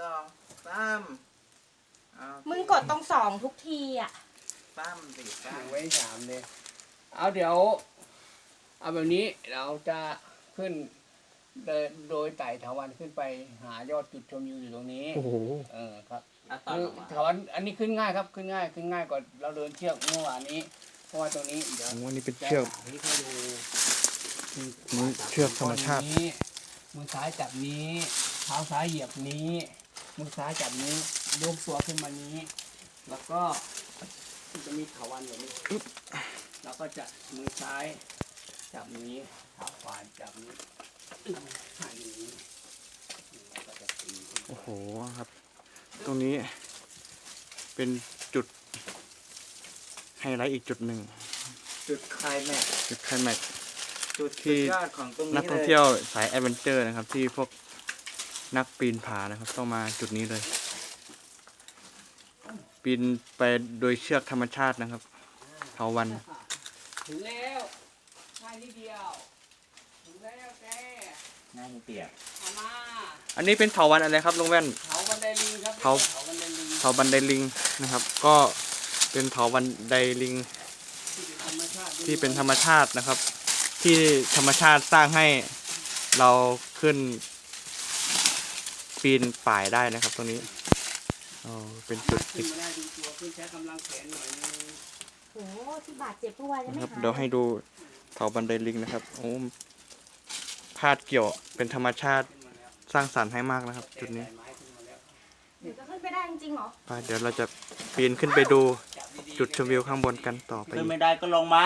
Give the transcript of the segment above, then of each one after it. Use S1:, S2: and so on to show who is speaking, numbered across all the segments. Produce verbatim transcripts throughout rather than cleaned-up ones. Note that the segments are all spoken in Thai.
S1: องสาม
S2: มึงกดตรงสองทุกทีอ่ะ
S1: สามสี่สาม
S3: ไว้สามเลยเอาเดี๋ยวเอาแบบนี้เราจะขึ้นโดยโดยไต่ถาวันขึ้นไปหายอดจุดชมวิวอยู่ตรงนี้โอ้โหเออครับคือถาวันอันนี้ขึ้นง่ายครับขึ้นง่ายขึ้นง่ายกว่าเราเดินเชือกเมื่อวานนี้เพราะว่าตรงนี้เดี๋ยว
S4: วันนี้เป็นเชือก
S3: นี่ให้ดู
S4: นี่เชือกธรรมชาติ
S3: มือซ้ายจับนี้เท้าซ้ายเหยียบนี้มือซ้ายจับนี้โยกตัวขึ้นมานี้แล้วก็จะมีถาวันอย่างนี้แล้วก็จะมือซ้ายจับนี้เท้าขวาจับนี้หันนี้แล้วก็จะตี
S4: โอ้โหครับ ตรงนี้เป็นจุดไฮไลท์อีกจุดหนึ่ง
S1: จุดไคลแม็กซ์
S4: จุดไคลแม็กซ์
S1: จุดที่ยอดของตรงนี้
S4: นักท่องเที่ยวสายแอดเวนเจอร์นะครับที่พวกนักปีนผานะครับต้องมาจุดนี้เลย ปีนไปโดยเชือกธรรมชาตินะครับเถาวัลย์
S3: ถึงแล้วง่ายนิดเดียวถึงแล้วแก
S1: ง่ายนิดเดียว
S3: มา
S4: อันนี้เป็นเถาวัลย์อะไรครับลุงแว่น
S3: เถาบันไดลิงครับ
S4: เถาเถาบันไดลิงนะครับ ก็เป็นเถาบันไดลิงที่เป็นธรรมชาตินะครับ ที่ธรรมชาติสร้างให้เราขึ้นปีนป่ายได้นะครับตรงนี้อ๋อเป็นจุด
S3: ขึ้นมาได้ดูตัวขึ้นใช้กำลังแขนหน่อยนึง
S2: โอ้ที่บาดเจ็บเมื่อวาน
S4: นะครับเดี๋ยวให้ดูเถาบันไดลิงนะครับโอ้พาดเกี่ยวเป็นธรรมชาติสร้างสรรค์ให้มากนะครับจุดนี้
S2: เดี๋ยวจะขึ้นไปได้จริงๆเหรอ
S4: ไปเดี๋ยวเราจะปีนขึ้นไปดูจุดชมวิวข้างบนกันต่อไป
S1: ขึ้นไม่ได้ก็ลงมา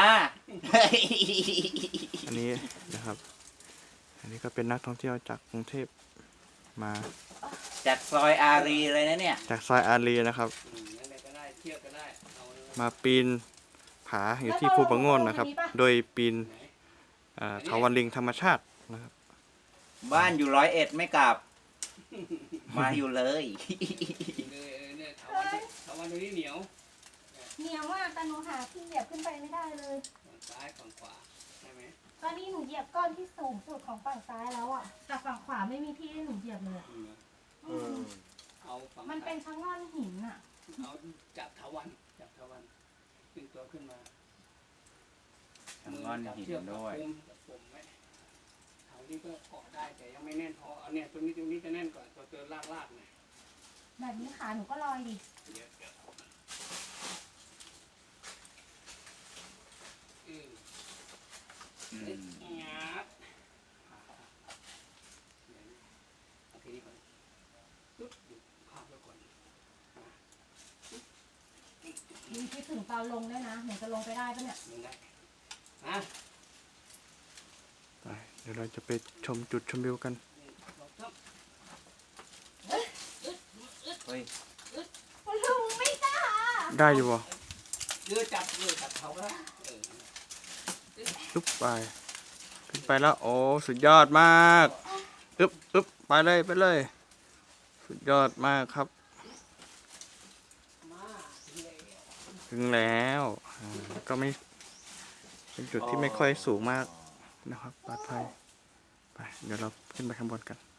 S4: อันนี้นะครับอันนี้ก็เป็นนักท่องเที่ยวจากกรุงเทพมา
S1: จากซอยอารีเลยนะเนี่ย
S4: จากซอยอารีนะครับมาปีนผาอยู่ที่ภูปะโงนนะครับโดยปีนเถาวัลย์ลิงธรรมชาตินะครับ
S1: บ้านอยู่ร้อยเอ็ดไม่กลับมาอยู่เลย
S3: เถาวัลย์ตรงนี้เหนียว
S2: เหนียวมากแต่หนูหาที่เหยียบขึ้นไปไม่ได้เลย
S3: ฝั่งซ้ายฝั่งขวาใช่ไหม
S2: ตอนนี้หนูเหยียบก้อนที่สูงสุดของฝั่งซ้ายแล้วอ่ะแต่ฝั่งขวาไม่มีที่ให้หนูเหยียบเลย
S3: เอา
S2: มันเป็นชะง่อนหินอ่ะ
S3: เอาจับเถาวัลย์จับเถาวัลย์ดึงตัวขึ้นมา
S1: ชะง่อนหินด้วย
S3: เถาที่ก็เกาะได้แต่ยังไม่แน่นพอเอาเนี่ยตรงนี้ตรงนี้จะแน่นก่อนตัวเจอลากลากเนี่ย
S2: แบบนี้ขาหนูก็ลอยดิ
S3: งับโอเคนี่ก่อนตุ๊บภาพไว้ก่อน
S2: มีคิดถึงตอนลงด้วยนะหนูจะลงไปได้ปะเนี่ย
S3: ลงได้ฮะ
S4: ไปเดี๋ยวเราจะไปชมจุดชมวิวกัน
S1: เฮ้ย
S2: ลุงไม่กล้า
S4: ได้อยู่บ่
S3: เดือจับเดือจับเขาแล้ว
S4: อึ๊บไปขึ้นไปแล้วโอ้สุดยอดมากอึ๊บอึ๊บไปเลยไปเลยสุดยอดมากครับถึงแล้วก็ไม่เป็นจุดที่ไม่ค่อยสูงมากนะครับปลอดภัยไปเดี๋ยวเราขึ้นไปข้างบนกัน